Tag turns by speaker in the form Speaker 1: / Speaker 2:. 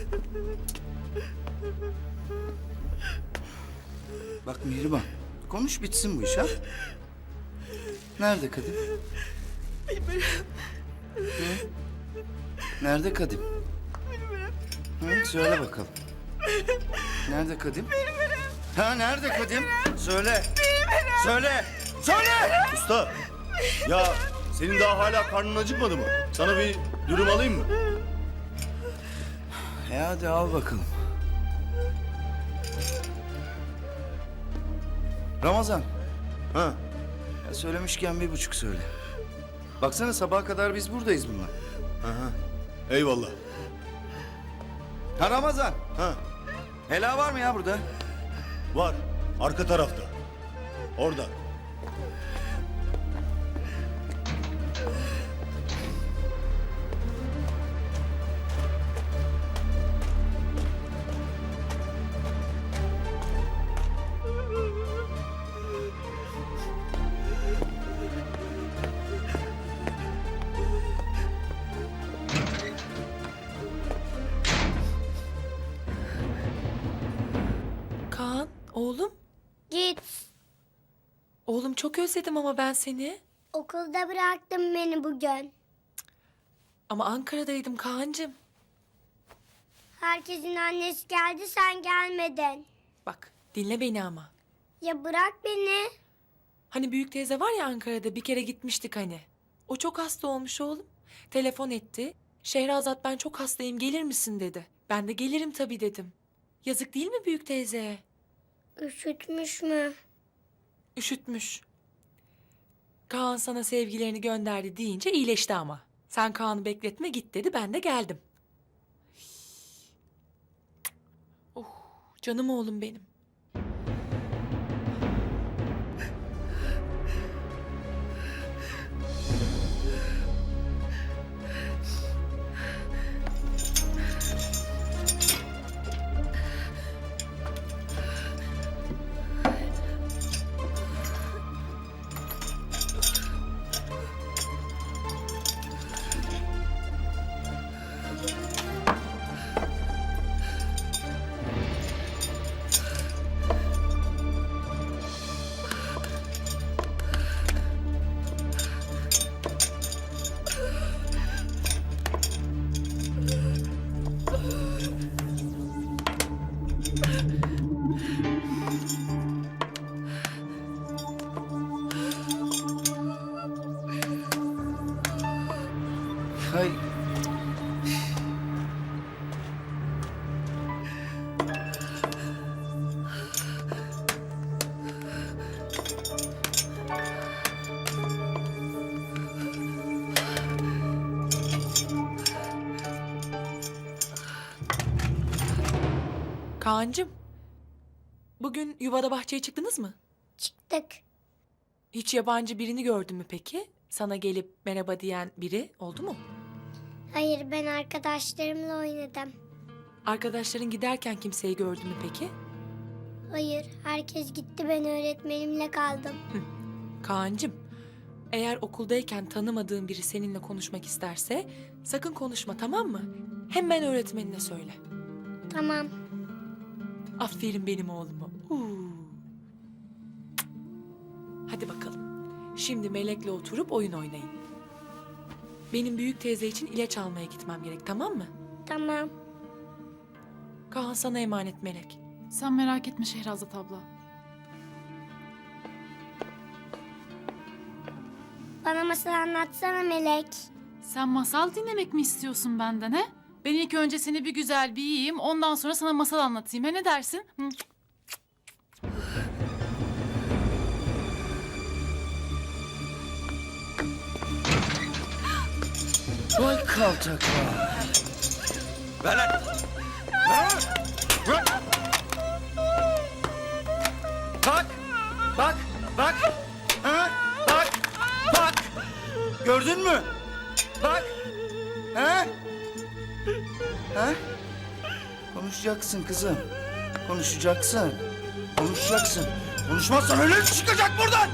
Speaker 1: Bak Mihrimah, konuş bitsin bu iş ha. Nerede Kadim?
Speaker 2: Bilmiyorum.
Speaker 1: Hı? Nerede Kadim? Hı? Söyle bakalım. Nerede Kadim? Ha nerede Kadim? Söyle. Söyle. Söyle.
Speaker 3: Usta, ya senin daha hala karnın acıkmadı mı? Sana bir dürüm alayım mı?
Speaker 1: Hadi al bakalım. Ramazan.
Speaker 3: Ha,
Speaker 1: Ya söylemişken 1,5 söyle. Baksana sabaha kadar biz buradayız bununla.
Speaker 3: aha. Eyvallah.
Speaker 1: Ha Ramazan.
Speaker 3: Ha,
Speaker 1: Hela var mı ya burada?
Speaker 3: var. Arka tarafta. Orada.
Speaker 2: Kaan, oğlum.
Speaker 4: Git.
Speaker 2: Oğlum çok özledim ama ben seni.
Speaker 4: Okulda bıraktın beni bugün.
Speaker 2: Ama Ankara'daydım Kaan'cığım.
Speaker 4: Herkesin annesi geldi, sen gelmedin.
Speaker 2: Bak, dinle beni ama.
Speaker 4: Ya bırak beni.
Speaker 2: Hani büyük teyze var ya Ankara'da, bir kere gitmiştik hani. O çok hasta olmuş oğlum. Telefon etti. Şehrazat ben çok hastayım, gelir misin dedi. Ben de gelirim tabii dedim. Yazık değil mi büyük teyzeye?
Speaker 4: Üşütmüş mü?
Speaker 2: Üşütmüş. Kaan sana sevgilerini gönderdi deyince iyileşti ama. Sen Kaan'ı bekletme git dedi, ben de geldim. Oh, canım oğlum benim.
Speaker 1: Hay.
Speaker 2: Kaan'cığım, bugün yuvada bahçeye çıktınız mı?
Speaker 4: Çıktık.
Speaker 2: Hiç yabancı birini gördün mü peki? Sana gelip merhaba diyen biri oldu mu?
Speaker 4: Hayır, ben arkadaşlarımla oynadım.
Speaker 2: Arkadaşların giderken kimseyi gördün mü peki?
Speaker 4: Hayır, herkes gitti, ben öğretmenimle kaldım.
Speaker 2: Kaan'cığım, eğer okuldayken tanımadığın biri seninle konuşmak isterse sakın konuşma, tamam mı? Hemen öğretmenine söyle.
Speaker 4: Tamam.
Speaker 2: Aferin benim oğluma. Hadi bakalım. Şimdi Melek'le oturup oyun oynayın. Benim büyük teyze için ilaç almaya gitmem gerek, tamam mı?
Speaker 4: Tamam.
Speaker 2: Kaan sana emanet Melek.
Speaker 5: Sen merak etme Şehrazat abla.
Speaker 4: Bana masal anlatsana Melek.
Speaker 5: Sen masal dinlemek mi istiyorsun benden he? Ben ilk önce seni bir güzel bir yiyeyim, ondan sonra sana masal anlatayım. He, ne dersin? Hı?
Speaker 1: Vay kaltak vay. Ver lan. Ver lan. Ver. Bak. Bak. Bak. Ha? Bak. Bak. Gördün mü? Bak. Ha? Ha? Konuşacaksın kızım. Konuşacaksın. Konuşacaksın. Konuşmazsan ölüm çıkacak buradan.